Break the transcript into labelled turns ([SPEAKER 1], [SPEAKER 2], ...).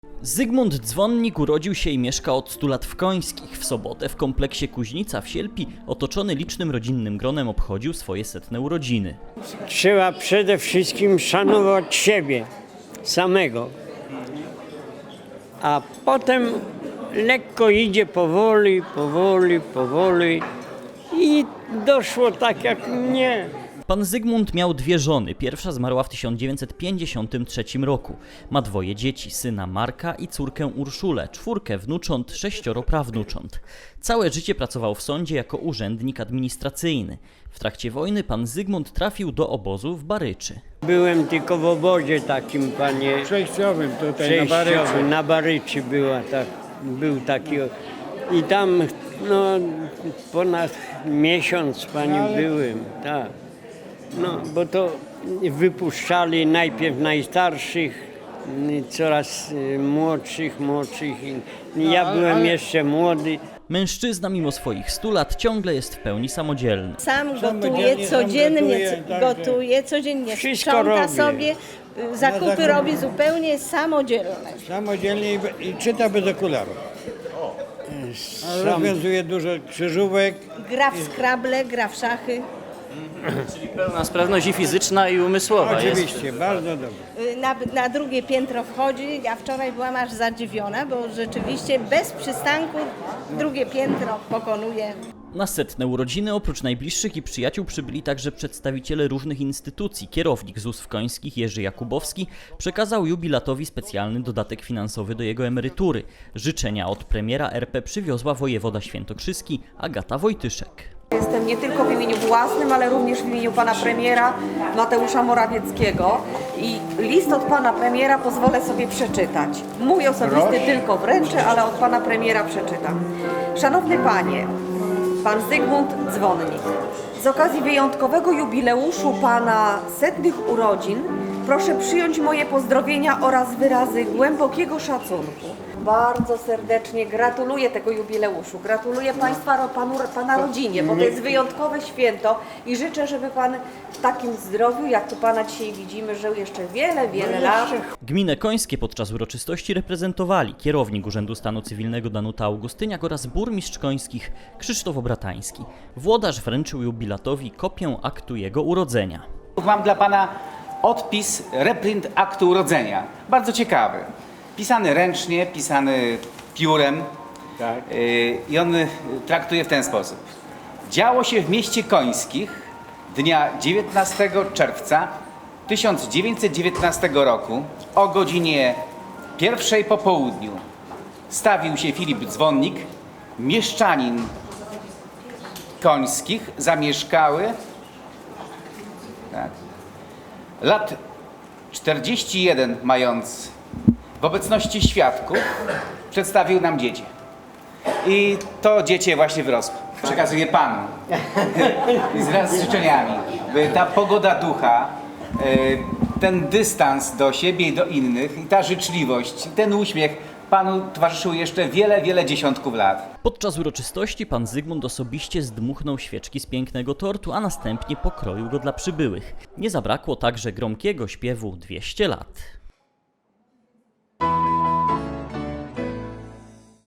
[SPEAKER 1] Zygmunt Dzwonnik urodził się i mieszka od 100 lat w Końskich. W sobotę w kompleksie Kuźnica w Sielpi, otoczony licznym rodzinnym gronem, obchodził swoje 100. urodziny.
[SPEAKER 2] Trzeba przede wszystkim szanować siebie samego, a potem lekko idzie powoli i doszło tak jak mnie.
[SPEAKER 1] Pan Zygmunt miał 2 żony. Pierwsza zmarła w 1953 roku. Ma 2 dzieci, syna Marka i córkę Urszulę, 4 wnucząt, 6 prawnucząt. Całe życie pracował w sądzie jako urzędnik administracyjny. W trakcie wojny pan Zygmunt trafił do obozu w Baryczy.
[SPEAKER 2] Byłem tylko w obozie takim, panie,
[SPEAKER 3] Przejściowym tutaj na Baryczy.
[SPEAKER 2] przejściowym, na Baryczy był taki. I tam ponad miesiąc, panie, byłem, tak. No, bo to wypuszczali najpierw najstarszych, coraz młodszych. Ja byłem jeszcze młody.
[SPEAKER 1] Mężczyzna mimo swoich 100 lat ciągle jest w pełni samodzielny.
[SPEAKER 4] Sam
[SPEAKER 3] Samodzielnie
[SPEAKER 4] gotuje codziennie,
[SPEAKER 2] Wszystko
[SPEAKER 4] sprząta
[SPEAKER 2] robię.
[SPEAKER 4] sobie, zakupy robi zupełnie samodzielnie.
[SPEAKER 3] Samodzielnie i czyta bez okularów. Rozwiązuje dużo krzyżówek.
[SPEAKER 4] Gra w Scrabble, gra w szachy.
[SPEAKER 1] Czyli pełna sprawność i fizyczna, i umysłowa.
[SPEAKER 3] Oczywiście, bardzo dobrze.
[SPEAKER 4] Na drugie piętro wchodzi. Ja wczoraj byłam aż zadziwiona, bo rzeczywiście bez przystanku drugie piętro pokonuje.
[SPEAKER 1] Na 100. urodziny oprócz najbliższych i przyjaciół przybyli także przedstawiciele różnych instytucji. Kierownik ZUS w Końskich Jerzy Jakubowski przekazał jubilatowi specjalny dodatek finansowy do jego emerytury. Życzenia od premiera RP przywiozła wojewoda świętokrzyski Agata Wojtyszek.
[SPEAKER 5] Jestem nie tylko w imieniu własnym, ale również w imieniu pana premiera Mateusza Morawieckiego i list od pana premiera pozwolę sobie przeczytać. Mój osobisty tylko wręczę, ale od pana premiera przeczytam. Szanowny panie, pan Zygmunt Dzwonnik, z okazji wyjątkowego jubileuszu pana 100 urodzin proszę przyjąć moje pozdrowienia oraz wyrazy głębokiego szacunku. Bardzo serdecznie gratuluję tego jubileuszu. Gratuluję pana rodzinie, bo to jest wyjątkowe święto i życzę, żeby pan w takim zdrowiu, jak tu pana dzisiaj widzimy, żył jeszcze wiele lat.
[SPEAKER 1] Gminę Końskie podczas uroczystości reprezentowali kierownik Urzędu Stanu Cywilnego Danuta Augustyniak oraz burmistrz Końskich Krzysztof Obratański. Włodarz wręczył jubilatowi kopię aktu jego urodzenia.
[SPEAKER 6] Mam dla pana odpis, reprint aktu urodzenia. Bardzo ciekawy. Pisany ręcznie, pisany piórem.
[SPEAKER 3] Tak.
[SPEAKER 6] I on traktuje w ten sposób. Działo się w mieście Końskich dnia 19 czerwca 1919 roku o godzinie 1 po południu. Stawił się Filip Dzwonnik, mieszczanin Końskich, zamieszkały lat 41 mając, w obecności świadków przedstawił nam dziecię. I to dziecię właśnie wyrosło. Przekazuję panu wraz z życzeniami, by ta pogoda ducha, ten dystans do siebie i do innych, i ta życzliwość, i ten uśmiech panu towarzyszył jeszcze wiele dziesiątków lat.
[SPEAKER 1] Podczas uroczystości pan Zygmunt osobiście zdmuchnął świeczki z pięknego tortu, a następnie pokroił go dla przybyłych. Nie zabrakło także gromkiego śpiewu 200 lat.